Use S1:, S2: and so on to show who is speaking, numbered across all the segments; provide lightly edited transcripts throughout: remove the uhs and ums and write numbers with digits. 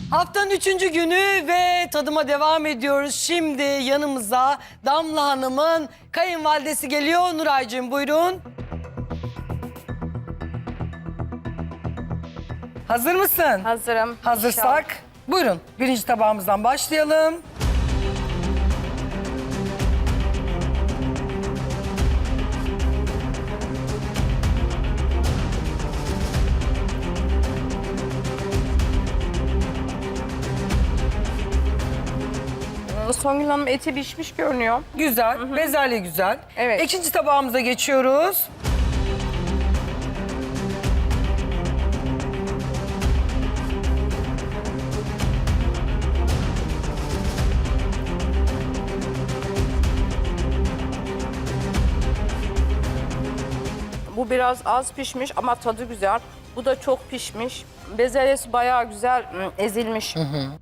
S1: Haftanın 3. günü ve tadıma devam ediyoruz. Şimdi yanımıza Damla Hanım'ın kayınvalidesi geliyor. Nuraycığım buyurun. Hazır mısın?
S2: Hazırım.
S1: Hazırsak buyurun. Birinci tabağımızdan başlayalım.
S2: Songül Hanım eti pişmiş görünüyor.
S1: Güzel, bezelye güzel.
S2: Evet.
S1: İkinci tabağımıza geçiyoruz.
S2: Bu biraz az pişmiş ama tadı güzel. Bu da çok pişmiş. Bezelyesi bayağı güzel ezilmiş.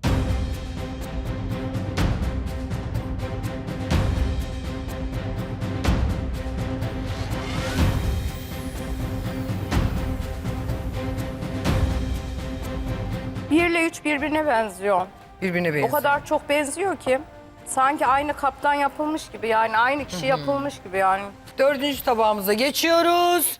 S2: Bir ile üç birbirine benziyor.
S1: Birbirine benziyor.
S2: O kadar çok benziyor ki sanki aynı kaptan yapılmış gibi, yani aynı kişi yapılmış gibi yani.
S1: Dördüncü tabağımıza geçiyoruz.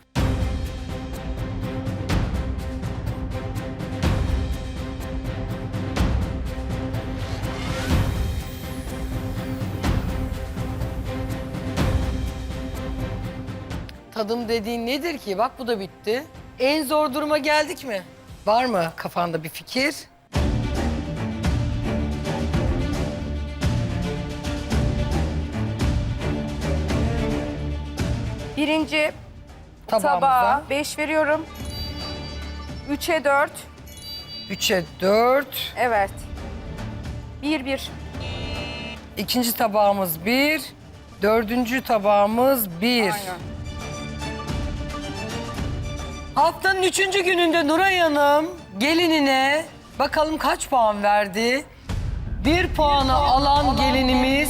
S1: Tadım dediğin nedir ki? Bak bu da bitti. En zor duruma geldik mi? Var mı kafanda bir fikir?
S2: Birinci
S1: Tabağımıza.
S2: tabağa 5 veriyorum. 3'e 4.
S1: 3'e 4.
S2: Evet. 1-1.
S1: İkinci tabağımız 1. Dördüncü tabağımız 1.
S2: Aynen.
S1: Haftanın 3. gününde Nuray Hanım gelinine bakalım kaç puan verdi? 1 puanı alan gelinimiz.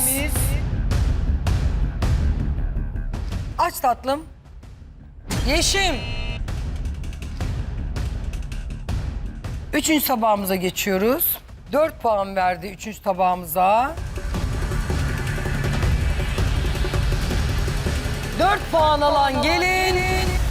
S1: Aç tatlım. Yeşim. 3. tabağımıza geçiyoruz. 4 puan verdi 3. tabağımıza. 4 puan alan gelin.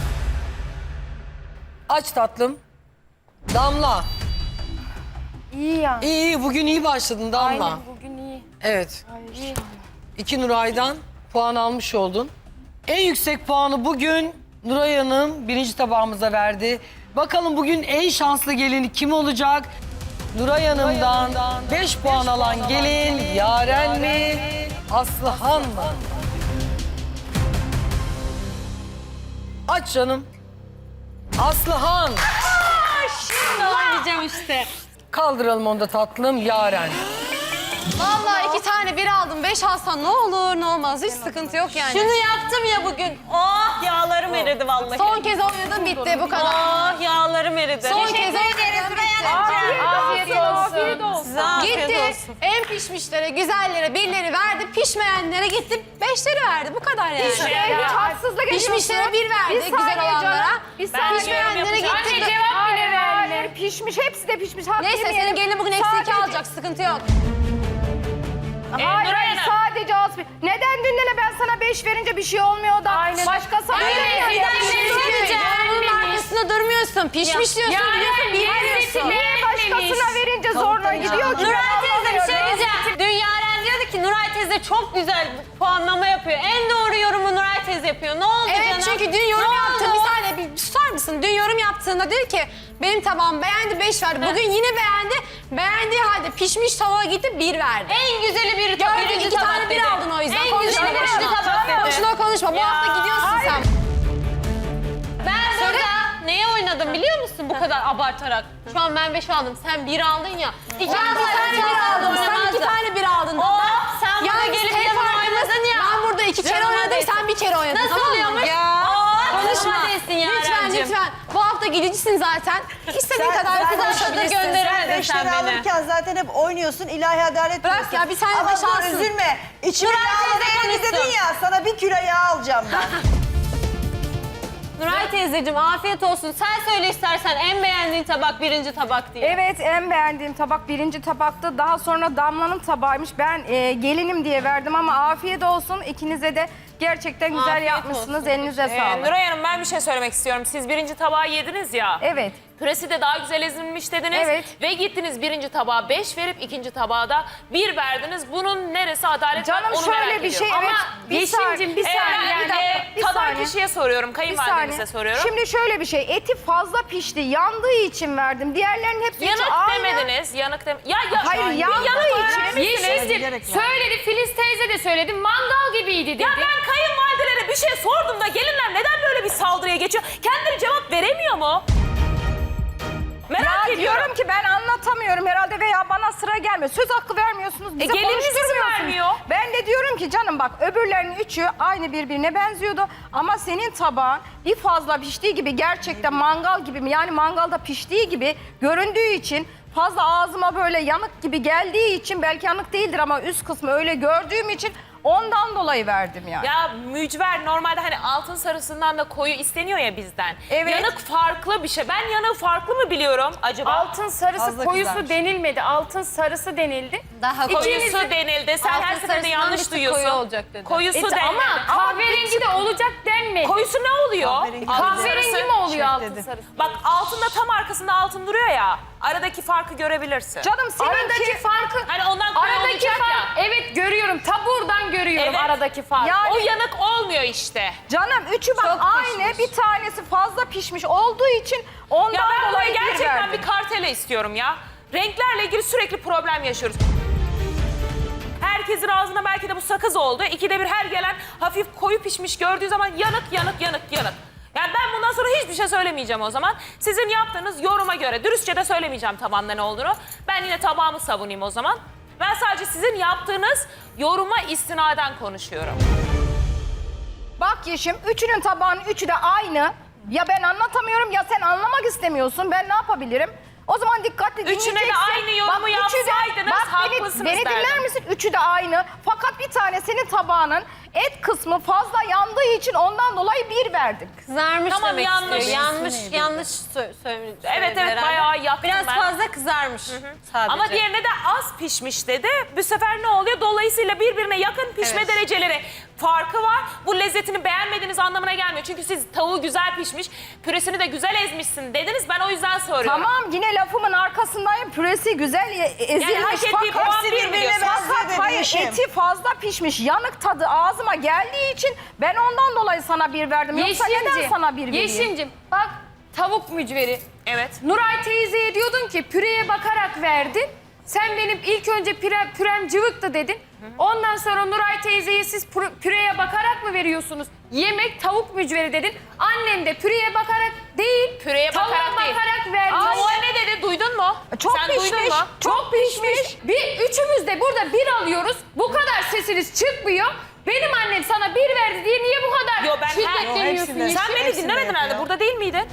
S1: Aç tatlım. Damla.
S2: İyi ya.
S1: İyi, bugün iyi başladın Damla.
S2: Aynen, bugün iyi.
S1: Evet.
S2: İyi.
S1: 2 Nuray'dan puan almış oldun. En yüksek puanı bugün Nuray Hanım 1. tabağımıza verdi. Bakalım bugün en şanslı gelini kim olacak? Nuray Hanım'dan 5 puan alan gelin Yaren mi? Aslıhan mı? Aç canım. Aslıhan.
S3: Oynayacağım işte.
S1: Kaldıralım onu da tatlım Yaren.
S4: Vallahi 2 tane 1 aldım, 5 alsan ne olur ne olmaz, hiç sıkıntı yok yani.
S3: Şunu yaptım ya bugün. Oh yağlarım eridi vallahi.
S4: Son kez oynadım, bitti, bu kadar.
S3: Oh yağlarım eridi.
S4: Son kez oynadım, bitti.
S2: Afiyet olsun.
S3: Size afiyet
S4: Gitti,
S3: olsun.
S4: en pişmişlere, güzellere 1'leri verdi, pişmeyenlere gitti 5'leri verdi, bu kadar yani.
S2: Hiç haksızlık
S4: Pişmişlere 1 verdi, güzel olanlara. Pişmeyenlere gitti.
S2: Cevap bile vermiyor. Pişmiş, hepsi de pişmiş.
S4: Neyse, senin gelinin bugün eksi 2 alacak, sıkıntı yok.
S2: Hayır, hayır, sadece az. Neden dün ben sana 5 verince bir şey olmuyor da başkası
S4: Bir
S3: söyleyeceğim.
S4: bunun arkasında durmuyorsun, pişmiş diyorsun, biliyorsun, bilmiyorsun.
S2: Niye başkasına verince zorla gidiyor ki?
S3: Nuray teyze bir şey diyeceğim. Dün Yaren diyordu ki Nuray teyze çok güzel puanlama yapıyor. En doğru yorumu Nuray teyze yapıyor. Ne oldu
S4: Evet,
S3: canım?
S4: çünkü dün yorum yaptı. Bir saniye, bir susar mısın? Dün yorum yaptığında dedi ki benim tabağım beğendi 5 verdi. Bugün yine beğendi. Beğendiği halde pişmiş tavuğa gitti 1 verdi.
S3: En güzeli bir
S4: Gördün,
S3: birinci
S4: 2
S3: tabak
S4: tane 1
S3: dedi.
S4: aldın o yüzden.
S3: En güzeli birinci tabak dedi.
S4: Boşuna konuşma. Bu
S3: Ya.
S4: hafta gidiyorsun sen.
S3: Ben burada neye oynadım biliyor musun bu kadar abartarak? Şu an ben 5 aldım, sen 1 aldın ya. İki
S4: Ben 2 tane 1 aldım. Sen 2 tane 1 aldın.
S3: Oh, sen bana
S4: Yalnız
S3: gelip
S4: tek
S3: yanıma
S4: farkımız,
S3: oynadın ya.
S4: ben burada 2 kere
S3: Canıma
S4: oynadım,
S3: değsin.
S4: sen 1 kere oynadın.
S3: Nasıl
S4: tamam mı?
S3: oluyormuş?
S4: Ya.
S3: Konuşma.
S4: Konuşma. Lütfen. Bu hafta gidicisin zaten. İstediğin kadar konuşabilirsin.
S3: Gönderirdin
S5: Sen
S3: sen
S5: 5 lira
S3: beni.
S5: alırken zaten hep oynuyorsun, ilahi adalet
S4: Bırak
S5: diyorsun.
S4: ya, bir tane
S5: Ama
S4: beş
S5: dur,
S4: alsın.
S5: üzülme. İçime
S3: Nuray
S5: yağ
S3: teyze
S5: değerini
S3: konuşsun.
S5: dedin ya, sana 1 kilo yağ alacağım ben.
S3: Nuray teyzeciğim afiyet olsun. Sen söyle istersen en beğendiğin tabak birinci tabak diye.
S2: Evet, en beğendiğim tabak birinci tabaktı. Daha sonra Damla'nın tabağıymış. Ben gelinim diye verdim ama afiyet olsun. İkinize de gerçekten güzel
S3: Afiyet
S2: yapmışsınız.
S3: olsun.
S2: Elinize sağlık.
S6: Nuray Hanım ben bir şey söylemek istiyorum. Siz birinci tabağı yediniz ya.
S2: Evet.
S6: Püresi de daha güzel ezilmiş dediniz.
S2: Evet.
S6: Ve gittiniz birinci tabağa 5 verip ikinci tabağa da 1 verdiniz. Bunun neresi adalet?
S2: Canım
S6: ben onu
S2: şöyle
S6: merak
S2: bir şey,
S6: ediyorum.
S2: evet.
S6: Ama
S2: Bir saniye, bir saniye, bir dakika, bir
S6: tadan
S2: saniye.
S6: kişiye soruyorum,
S2: Bir
S6: kayınvalidenize
S2: saniye.
S6: soruyorum.
S2: Şimdi şöyle bir şey, eti fazla pişti, yandığı için verdim. Diğerlerinin hepsi içi
S6: yanık
S2: aynı.
S6: demediniz, yanık Ya,
S2: Hayır,
S6: bir
S2: yandığı
S6: yanık
S2: için.
S6: öğrenmişsiniz.
S5: Yeşilcim
S7: Söyledi, Filiz teyze de söyledi. Mangal gibiydi dedi.
S6: Ya ben kayınvalidelere bir şey sordum da gelinler neden böyle bir saldırıya geçiyor? Kendileri cevap veremiyor mu? Merak
S2: Ya
S6: ediyorum.
S2: diyorum ki ben anlatamıyorum herhalde veya bana sıra gelmiyor. Söz hakkı vermiyorsunuz, bize
S6: gelininiz izin
S2: konuşturmuyorsunuz.
S6: vermiyor.
S2: Ben de diyorum ki canım bak öbürlerinin üçü aynı birbirine benziyordu. Ama senin tabağın bir fazla piştiği gibi gerçekten mangal gibi mi? Yani mangalda piştiği gibi göründüğü için fazla ağzıma böyle yanık gibi geldiği için belki yanık değildir ama üst kısmı öyle gördüğüm için ondan dolayı verdim yani.
S6: Ya mücver normalde hani altın sarısından da koyu isteniyor ya bizden.
S2: Evet.
S6: Yanık farklı bir şey. Ben yanığı farklı mı biliyorum acaba?
S7: Altın sarısı
S5: Fazla
S7: koyusu
S5: kızarmış.
S7: denilmedi. Altın sarısı denildi.
S3: Daha
S6: Koyusu denildi. Sen her
S3: Altın
S6: seferinde
S3: sarısından
S6: yanlış
S3: bir tık
S6: duyuyorsun.
S3: koyu olacak dedi.
S6: Koyusu denildi.
S7: Ama kahverengi de olacak denmedi.
S6: Koyusu ne oluyor?
S5: Kahverengi.
S6: Altın
S7: Kahverengi
S6: sarısı.
S7: mi oluyor
S5: Şef
S7: altın
S5: dedi.
S7: sarısı?
S6: Bak altında tam arkasında altın duruyor ya. Aradaki farkı görebilirsin.
S2: Canım
S7: Aradaki
S2: seninki...
S7: farkı...
S6: Hani ondan koyu
S7: Aradaki
S6: olacak
S7: fark,
S6: ya.
S7: evet görüyorum. Taburdan görüyorum
S6: Evet.
S7: aradaki farkı.
S2: Yani-
S6: O yanık olmuyor işte.
S2: Canım üçü bak
S3: Çok
S2: aynı,
S3: pişmiş.
S2: bir tanesi fazla pişmiş olduğu için ondan
S6: Ya ben buraya
S2: dolayı bir
S6: gerçekten
S2: verdim.
S6: bir kartele istiyorum ya. Renklerle ilgili sürekli problem yaşıyoruz. Herkesin ağzında belki de bu sakız oldu. İkide bir her gelen hafif koyu pişmiş gördüğü zaman yanık. Yani ben bundan sonra hiçbir şey söylemeyeceğim o zaman. Sizin yaptığınız yoruma göre dürüstçe de söylemeyeceğim tabağında ne olduğunu. Ben yine tabağımı savunayım o zaman. Ben sadece sizin yaptığınız yoruma istinaden konuşuyorum.
S2: Bak Yeşim, üçünün tabağının üçü de aynı. Ya ben anlatamıyorum ya sen anlamak istemiyorsun. Ben ne yapabilirim? O zaman dikkatli dinleyeceksin.
S6: Üçüne de aynı yorumu
S2: üçü de-
S6: yapsaydınız haklısınız
S2: beni dinler
S6: derdim.
S2: misin? Üçü de aynı. Fakat bir tane senin tabağının et kısmı fazla yandığı için ondan dolayı bir verdik.
S3: Kızarmış
S6: Tamam,
S3: demek
S6: yanlış.
S3: istiyor. Yanlış söyledi.
S6: Evet,
S3: herhalde.
S6: bayağı yaktım
S3: Biraz
S6: ben.
S3: fazla kızarmış sadece.
S6: Ama diğerine de az pişmiş dedi. Bu sefer ne oluyor? Dolayısıyla birbirine yakın pişme
S3: Evet.
S6: dereceleri farkı var. Bu lezzetini beğenmediğiniz anlamına gelmiyor. Çünkü siz tavuğu güzel pişmiş, püresini de güzel ezmişsin dediniz. Ben o yüzden soruyorum.
S2: Tamam yine lafımın arkasındayım. Püresi güzel ezilmiş.
S6: Yani hak ettiği puan
S2: Fakat-
S6: bir mi
S5: birbirine
S6: diyorsun?
S5: benziyor
S2: Fakat
S5: dedi
S2: hayır
S5: Yeşim.
S2: eti fazla pişmiş. Yanık tadı ağzıma geldiği için ben ondan dolayı sana bir verdim. Yoksa neden sana bir vereyim?
S7: Yeşimcim bak tavuk mücveri.
S6: Evet.
S7: Nuray teyzeye diyordun ki püreye bakarak verdin. Sen benim ilk önce pürem cıvıktı dedin. Ondan sonra Nuray teyzeye siz püreye bakarak mı veriyorsunuz? Yemek tavuk mücveri dedin. Annem de püreye bakarak değil,
S6: Püreye
S7: tavuğa
S6: bakarak değil.
S7: verdi.
S6: Tavuğa ne dedi? Duydun mu?
S2: Çok
S6: Sen
S2: pişmiş.
S6: duydun mu?
S7: Çok pişmiş. Üçümüz de burada bir alıyoruz. Bu kadar sesiniz çıkmıyor. Benim annem sana bir verdi diye niye bu kadar
S6: Yo, ben her-
S7: şiddetleniyorsun
S5: hepsinde-
S7: Yeşim?
S6: Sen beni
S5: Hepsinde
S6: dinlemedin herhalde.
S5: yapıyor.
S6: Burada değil miydin?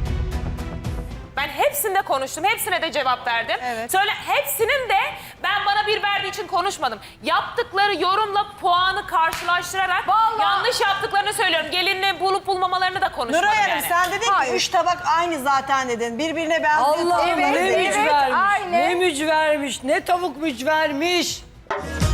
S6: Ben hepsinde konuştum. Hepsine de cevap verdim.
S5: Evet.
S6: Söyle hepsinin de ben bana bir verdiği için konuşmadım. Yaptıkları yorumla puanı karşılaştırarak
S2: Vallahi-
S6: yanlış yaptıklarını söylüyorum. Gelinle bulup bulmamalarını da konuşmadım
S5: Nuray Hanım
S6: yani.
S5: sen dedin ki 3 tabak aynı zaten dedin. Birbirine benziyor.
S1: Allah
S2: Evet,
S1: ne
S2: evet,
S1: mücvermiş,
S2: aynı.
S1: ne mücvermiş, ne tavuk mücvermiş.